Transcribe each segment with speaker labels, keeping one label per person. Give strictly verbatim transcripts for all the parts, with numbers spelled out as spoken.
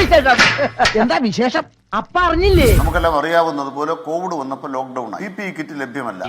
Speaker 1: എന്താ വിശേഷം? അപ്പ അറിഞ്ഞില്ലേ?
Speaker 2: നമുക്കെല്ലാം അറിയാവുന്നത് പോലെ കോവിഡ് വന്നപ്പോൾ lockdown P P E kit ലഭ്യമല്ല.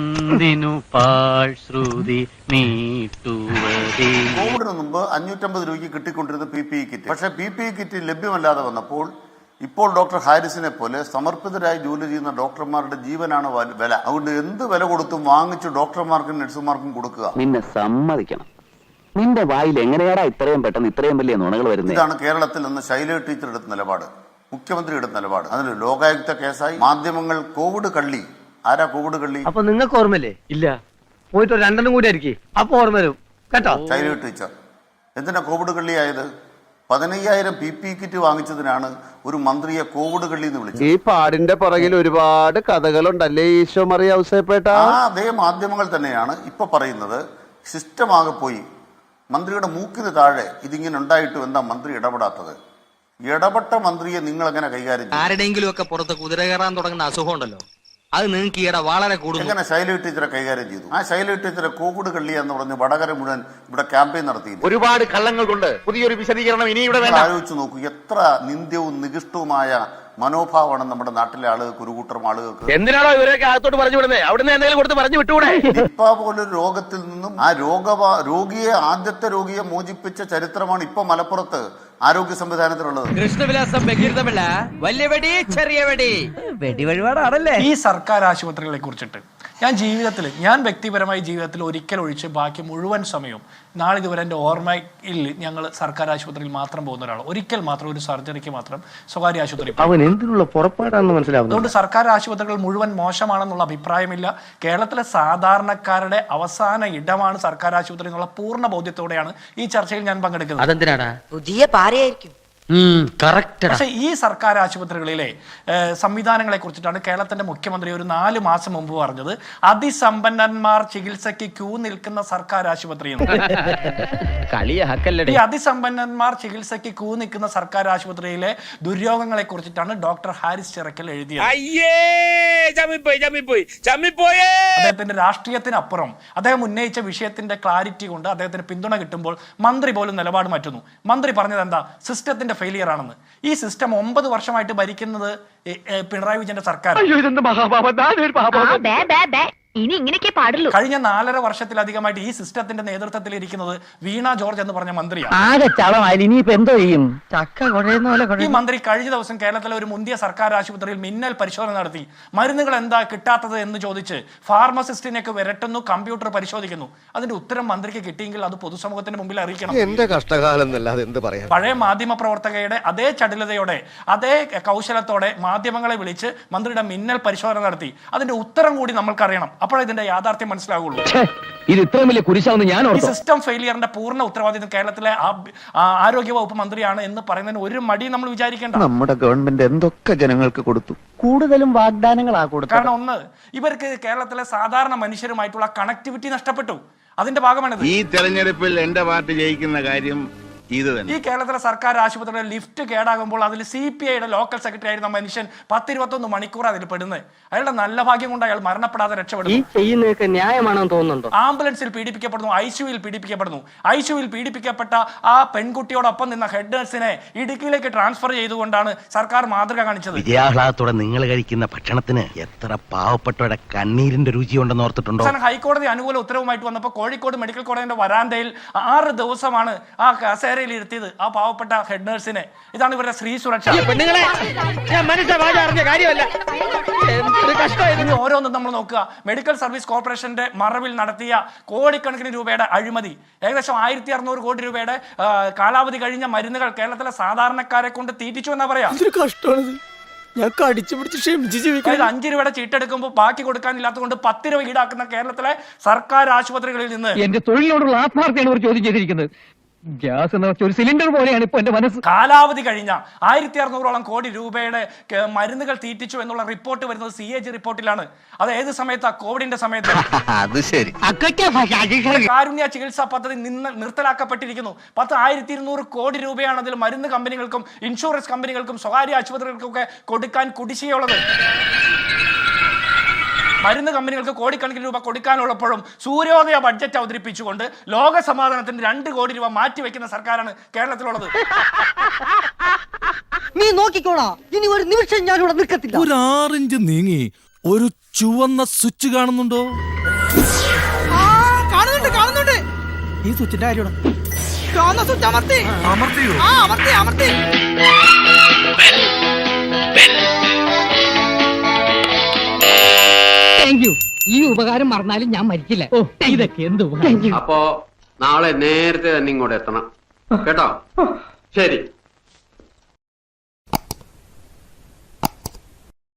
Speaker 2: കോവിഡിന് മുമ്പ് അഞ്ഞൂറ്റമ്പത് രൂപയ്ക്ക് കിട്ടിക്കൊണ്ടിരുന്ന പി പി ഇ കിറ്റ്, പക്ഷേ പി പി ഇ കിറ്റ് ലഭ്യമല്ലാതെ വന്നപ്പോൾ ഇപ്പോൾ ഡോക്ടർ ഹാരിസിനെ പോലെ സമർപ്പിതരായി ജോലി ചെയ്യുന്ന ഡോക്ടർമാരുടെ ജീവനാണ് വില. അതുകൊണ്ട് എന്ത് വില കൊടുത്തും വാങ്ങിച്ച് ഡോക്ടർമാർക്കും നഴ്സുമാർക്കും കൊടുക്കുക.
Speaker 3: നിന്നെ സമ്മതിക്കണം, നിന്റെ വായിൽ എങ്ങനെയാടാ ഇത്രയും പെട്ടെന്ന് ഇത്രയും വലിയ നുണകൾ വരുന്നത്?
Speaker 2: ഇതാണ് കേരളത്തിൽ നിന്ന് ശൈലജ ടീച്ചർ എടുത്ത നിലപാട്, മുഖ്യമന്ത്രി എടുത്ത നിലപാട്. അതിന് ലോകായുക്ത കേസായി. മാധ്യമങ്ങൾ കോവിഡ് കള്ളി. ആരാ കോവിഡ് കള്ളി?
Speaker 1: അപ്പൊ നിങ്ങൾക്ക് ഓർമ്മല്ലേ? ഇല്ല, പോയിട്ട് രണ്ടെണ്ണം കൂടി ആയിരിക്കും, അപ്പൊ ഓർമ്മ വരും കേട്ടോ.
Speaker 2: ശൈലജ ടീച്ചർ എന്തിനാ കോവിഡ് കള്ളിയായത്? പതിനയ്യായിരം പി പി കിറ്റ് വാങ്ങിച്ചതിനാണ് ഒരു മന്ത്രിയെ കോവിഡ് കള്ളി എന്ന് വിളിച്ചത്.
Speaker 4: ഈ പാടിന്റെ പുറകിൽ ഒരുപാട് കഥകളുണ്ടല്ലേ ഈശോ മറിയ ഔസേപ്പേട്ട?
Speaker 2: ആ അതേ മാധ്യമങ്ങൾ തന്നെയാണ് ഇപ്പൊ പറയുന്നത് സിസ്റ്റം ആകെ പോയി. മന്ത്രിയുടെ മൂക്കിന് താഴെ ഇതിങ്ങനെ ഉണ്ടായിട്ടും എന്താ മന്ത്രി ഇടപെടാത്തത്? ഇടപെട്ട മന്ത്രിയെ നിങ്ങൾ എങ്ങനെ കൈകാര്യം ചെയ്യും?
Speaker 5: ആരുടെയെങ്കിലും ഒക്കെ പുറത്ത് കുതിര കയറാൻ തുടങ്ങുന്ന അസുഖം ഉണ്ടല്ലോ, അത് നിങ്ങൾക്ക് ഈയിടെ വളരെ കൂടുതൽ.
Speaker 2: എങ്ങനെ ശൈലജ ടീച്ചറെ കൈകാര്യം ചെയ്തു? ആ ശൈലജ ടീച്ചറെ കോവിഡ് കള്ളി എന്ന് പറഞ്ഞ് വടകര മുഴുവൻ ഇവിടെ ക്യാമ്പയിൻ നടത്തി.
Speaker 6: ഒരുപാട് കള്ളങ്ങൾ കൊണ്ട് പുതിയൊരു വിശദീകരണം ഇനി ഇവിടെ വേണ്ട.
Speaker 2: ആലോചിച്ച് നോക്കൂ, എത്ര നിന്ദ്യവും നികൃഷ്ടവുമായ മനോഭാവമാണ് നമ്മുടെ നാട്ടിലെ ആളുകൾക്ക്, ഒരു കൂട്ടം ആളുകൾക്ക്.
Speaker 6: എന്തിനാണോ ഇവരൊക്കെ അകത്തോട്ട് പറഞ്ഞു വിടുന്നത്? അവിടുന്ന് എന്തെങ്കിലും കൊടുത്ത് പറഞ്ഞു വിട്ടുകൂടെ?
Speaker 2: നിപ്പ പോലൊരു രോഗത്തിൽ നിന്നും ആ രോഗ രോഗിയെ ആദ്യത്തെ രോഗിയെ മോചിപ്പിച്ച ചരിത്രമാണ് ഇപ്പൊ മലപ്പുറത്ത് ആരോഗ്യ സംവിധാനത്തിലുള്ളത്.
Speaker 5: കൃഷ്ണവിലാസം ബഹിർദമല്ല, വലിയ വെടി ചെറിയ വെടി വെടി വഴിപാടാണല്ലേ.
Speaker 7: ഈ സർക്കാർ ആശുപത്രികളെ കുറിച്ചിട്ട് ഞാൻ ജീവിതത്തിൽ, ഞാൻ വ്യക്തിപരമായി ജീവിതത്തിൽ ഒരിക്കൽ ഒഴിച്ച് ബാക്കി മുഴുവൻ സമയവും നാളിതുവരെ എൻ്റെ ഓർമ്മയിൽ ഞങ്ങൾ സർക്കാർ ആശുപത്രിയിൽ മാത്രം പോകുന്ന ഒരാൾ. ഒരിക്കൽ മാത്രം ഒരു സർജറിക്ക് മാത്രം സ്വകാര്യ ആശുപത്രി.
Speaker 4: അവൻ എന്തിനുള്ള പുറപ്പാടാണെന്ന് മനസ്സിലാവുന്നു.
Speaker 7: അതുകൊണ്ട് സർക്കാർ ആശുപത്രികൾ മുഴുവൻ മോശമാണെന്നുള്ള അഭിപ്രായമില്ല. കേരളത്തിലെ സാധാരണക്കാരുടെ അവസാന ഇടമാണ് സർക്കാർ ആശുപത്രി എന്നുള്ള പൂർണ്ണ ബോധ്യത്തോടെയാണ് ഈ ചർച്ചയിൽ ഞാൻ പങ്കെടുക്കുന്നത്.
Speaker 1: അതെന്തിനാടാ?
Speaker 5: പുതിയ പാരയായിരിക്കും.
Speaker 7: പക്ഷെ ഈ സർക്കാർ ആശുപത്രികളിലെ സംവിധാനങ്ങളെ കുറിച്ചിട്ടാണ് കേരളത്തിന്റെ മുഖ്യമന്ത്രി ഒരു നാല് മാസം മുമ്പ് പറഞ്ഞത് അതിസമ്പന്നന്മാർ ചികിത്സയ്ക്ക് ക്യൂ നിൽക്കുന്ന സർക്കാർ ആശുപത്രി. ഈ അതിസമ്പന്നന്മാർ ചികിത്സയ്ക്ക് ക്യൂ നിൽക്കുന്ന സർക്കാർ ആശുപത്രിയിലെ ദുര്യോഗങ്ങളെ കുറിച്ചിട്ടാണ് ഡോക്ടർ ഹാരിസ് ചിറക്കൽ എഴുതിയത്. അദ്ദേഹത്തിന്റെ രാഷ്ട്രീയത്തിനപ്പുറം അദ്ദേഹം ഉന്നയിച്ച വിഷയത്തിന്റെ ക്ലാരിറ്റി കൊണ്ട് അദ്ദേഹത്തിന് പിന്തുണ കിട്ടുമ്പോൾ മന്ത്രി പോലും നിലപാട് മാറ്റുന്നു. മന്ത്രി പറഞ്ഞത് എന്താ? സിസ്റ്റത്തിന്റെ ഫെയിലിയർ ആണെന്ന്. ഈ സിസ്റ്റം ഒമ്പത് വർഷമായിട്ട് ഭരിക്കുന്നത് പിണറായി വിജയന്റെ സർക്കാർ.
Speaker 8: ഇനി ഇങ്ങനെയൊക്കെ പാടുള്ളൂ.
Speaker 7: കഴിഞ്ഞ നാലര വർഷത്തിലധികമായിട്ട് ഈ സിസ്റ്റത്തിന്റെ നേതൃത്വത്തിൽ ഇരിക്കുന്നത് വീണ ജോർജ് എന്ന് പറഞ്ഞ മന്ത്രിയാണ്. ഈ മന്ത്രി കഴിഞ്ഞ ദിവസം കേരളത്തിലെ ഒരു മുന്തിയ സർക്കാർ ആശുപത്രിയിൽ മിന്നൽ പരിശോധന നടത്തി. മരുന്നുകൾ എന്താ കിട്ടാത്തത് എന്ന് ചോദിച്ച് ഫാർമസിസ്റ്റിനെയൊക്കെ വിരട്ടുന്നു, കമ്പ്യൂട്ടർ പരിശോധിക്കുന്നു. അതിന്റെ ഉത്തരം മന്ത്രിക്ക് കിട്ടിയെങ്കിൽ അത് പൊതുസമൂഹത്തിന് മുമ്പിൽ അറിയിക്കണം.
Speaker 4: എന്റെ കഷ്ടകാലം എന്നല്ലാതെ എന്ത് പറയാം.
Speaker 7: പഴയ മാധ്യമ പ്രവർത്തകയുടെ അതേ ചടുലതയോടെ അതേ കൗശലത്തോടെ മാധ്യമങ്ങളെ വിളിച്ച് മന്ത്രിയുടെ മിന്നൽ പരിശോധന നടത്തി. അതിന്റെ ഉത്തരം കൂടി നമ്മൾക്കറിയണം. അപ്പോഴേ ഇതിന്റെ യാഥാർത്ഥ്യം മനസ്സിലാവുള്ളൂ.
Speaker 1: ഇത് ഇത്രയും വലിയ കുരിശാവുന്ന ഞാൻ
Speaker 7: ഈ സിസ്റ്റം ഫെയിലിയറിന്റെ പൂർണ്ണ ഉത്തരവാദിത്വം കേരളത്തിലെ ആരോഗ്യ വകുപ്പ് മന്ത്രിയാണ് എന്ന് പറയുന്നതിന് ഒരു മടി നമ്മൾ വിചാരിക്കേണ്ട.
Speaker 4: നമ്മുടെ ഗവൺമെന്റ് എന്തൊക്കെ ജനങ്ങൾക്ക് കൊടുത്തു,
Speaker 1: കൂടുതലും വാഗ്ദാനങ്ങളാ കൊടുത്തു.
Speaker 7: കാരണം ഒന്ന്, ഇവർക്ക് കേരളത്തിലെ സാധാരണ മനുഷ്യരുമായിട്ടുള്ള കണക്ടിവിറ്റി നഷ്ടപ്പെട്ടു. അതിന്റെ ഭാഗമാണിത്.
Speaker 6: ഈ തെരഞ്ഞെടുപ്പിൽ എന്റെ പാർട്ടി ജയിക്കുന്ന കാര്യം
Speaker 7: ഈ കേരളത്തിലെ സർക്കാർ ആശുപത്രിയുടെ ലിഫ്റ്റ് കേടാകുമ്പോൾ അതിൽ സി പി ഐയുടെ ലോക്കൽ സെക്രട്ടറി ആയിരുന്ന മനുഷ്യൻ പത്തിരുപത്തൊന്ന് മണിക്കൂർ അതിൽ പെടുന്നത്. അയാളുടെ നല്ല ഭാഗ്യം കൊണ്ട് അയാൾ മരണപ്പെടാതെ രക്ഷപ്പെടുന്നു.
Speaker 1: ന്യായമാണെന്ന് തോന്നുന്നുണ്ടോ?
Speaker 7: ആംബുലൻസിൽ പീഡിപ്പിക്കപ്പെടുന്നു, ഐസിയുവിൽ പീഡിപ്പിക്കപ്പെടുന്നു. ഐസിയുവിൽ പീഡിപ്പിക്കപ്പെട്ട ആ പെൺകുട്ടിയോടൊപ്പം നിന്ന ഹെഡ് നഴ്സിനെ ഇടുക്കിയിലേക്ക് ട്രാൻസ്ഫർ ചെയ്തുകൊണ്ടാണ് സർക്കാർ മാതൃക കാണിച്ചത്.
Speaker 6: വിജയാഹ്ലാദത്തോടെ നിങ്ങൾ കഴിക്കുന്ന ഭക്ഷണത്തിന് എത്ര പാവപ്പെട്ടവരുടെ കണ്ണീരിന്റെ രുചിയുണ്ടെന്ന് ഓർത്തിട്ടുണ്ടോ?
Speaker 7: ഹൈക്കോടതി അനുകൂല ഉത്തരവുമായിട്ട് വന്നപ്പോൾ കോഴിക്കോട് മെഡിക്കൽ കോളേജിന്റെ വരാന്തയിൽ ആറ് ദിവസമാണ് ആ കസേര ഇരുത്തിയത് ആ പാവപ്പെട്ട ഹെഡ് നഴ്സിനെ. ഇതാണ് ഇവരുടെ സ്ത്രീ സുരക്ഷ. ഓരോന്നും നമ്മൾ നോക്കുക. മെഡിക്കൽ സർവീസ് കോർപ്പറേഷന്റെ മറവിൽ നടത്തിയ കോടിക്കണക്കിന് രൂപയുടെ അഴിമതി, ഏകദേശം ആയിരത്തി അറുന്നൂറ് കോടി രൂപയുടെ കാലാവധി കഴിഞ്ഞ മരുന്നുകൾ കേരളത്തിലെ സാധാരണക്കാരെ കൊണ്ട് തീറ്റിച്ചു എന്നാ പറയാ. അഞ്ച് രൂപയുടെ ചീട്ടെടുക്കുമ്പോൾ ബാക്കി കൊടുക്കാനില്ലാത്തതുകൊണ്ട് പത്ത് രൂപ ഈടാക്കുന്ന കേരളത്തിലെ സർക്കാർ ആശുപത്രികളിൽ നിന്ന്
Speaker 1: എന്റെ തൊഴിലിനോടുള്ള ആത്മാർത്ഥയാണ് ഒരു ചോദ്യം ചെയ്തിരിക്കുന്നത്. ഗ്യാസ് എന്ന് വെച്ചാൽ ഒരു സിലിണ്ടർ പോലെയാണ് ഇപ്പൊ എന്റെ മനസ്സ്.
Speaker 7: കാലാവധി കഴിഞ്ഞ ആയിരത്തി അറുന്നൂറോളം കോടി രൂപയുടെ മരുന്നുകൾ തീറ്റിച്ചു എന്നുള്ള റിപ്പോർട്ട് വരുന്നത് സി എ ജി റിപ്പോർട്ടിലാണ്. അത് ഏത് സമയത്താ? കോവിഡിന്റെ സമയത്ത്. കാരുണ്യ ചികിത്സാ പദ്ധതി നിന്ന് നിർത്തലാക്കപ്പെട്ടിരിക്കുന്നു. പത്ത് ആയിരത്തി ഇരുന്നൂറ് കോടി രൂപയാണ് അതിൽ മരുന്ന് കമ്പനികൾക്കും ഇൻഷുറൻസ് കമ്പനികൾക്കും സ്വകാര്യ ആശുപത്രികൾക്കും ഒക്കെ കൊടുക്കാൻ കുടിശ്ശികയുള്ളത്. മരുന്ന് കമ്പനികൾക്ക് കോടിക്കണക്കിന് രൂപ കൊടുക്കാനുള്ളപ്പോഴും സൂര്യോദയ ബഡ്ജറ്റ് അവതരിപ്പിച്ചുകൊണ്ട് ലോക സമാധാനത്തിന് രണ്ട് കോടി രൂപ മാറ്റിവെക്കുന്ന സർക്കാരാണ് കേരളത്തിലുള്ളത്.
Speaker 9: നീ നോക്കിക്കോളാ, ഇനി ഒരു നിമിഷം ഞാൻ ഇവിടെ നിൽക്കത്തില്ല.
Speaker 10: ഒരു ആറിഞ്ച് നീങ്ങി ഒരു ചുവന്ന സ്വിച്ച് കാണുന്നുണ്ടോ?
Speaker 9: കാണുന്നുണ്ട് കാണുന്നുണ്ട്. ഈ സ്വിച്ചിന്റെ കാര്യമാണ്. ചുവന്ന സ്വിച്ച് അമർത്തി
Speaker 10: അമർത്തിയോ?
Speaker 9: ആ അമർത്തി അമർത്തി.
Speaker 1: Thank you. ഈ ഉപകാരം മറന്നാലും ഞാൻ മരിക്കില്ല. ഓ ഇതൊക്കെ എന്ത് ഉപകാരം.
Speaker 11: അപ്പോ നാളെ നേരത്തെ തന്നെ ഇങ്ങോട്ട് എത്തണം കേട്ടോ. ശരി.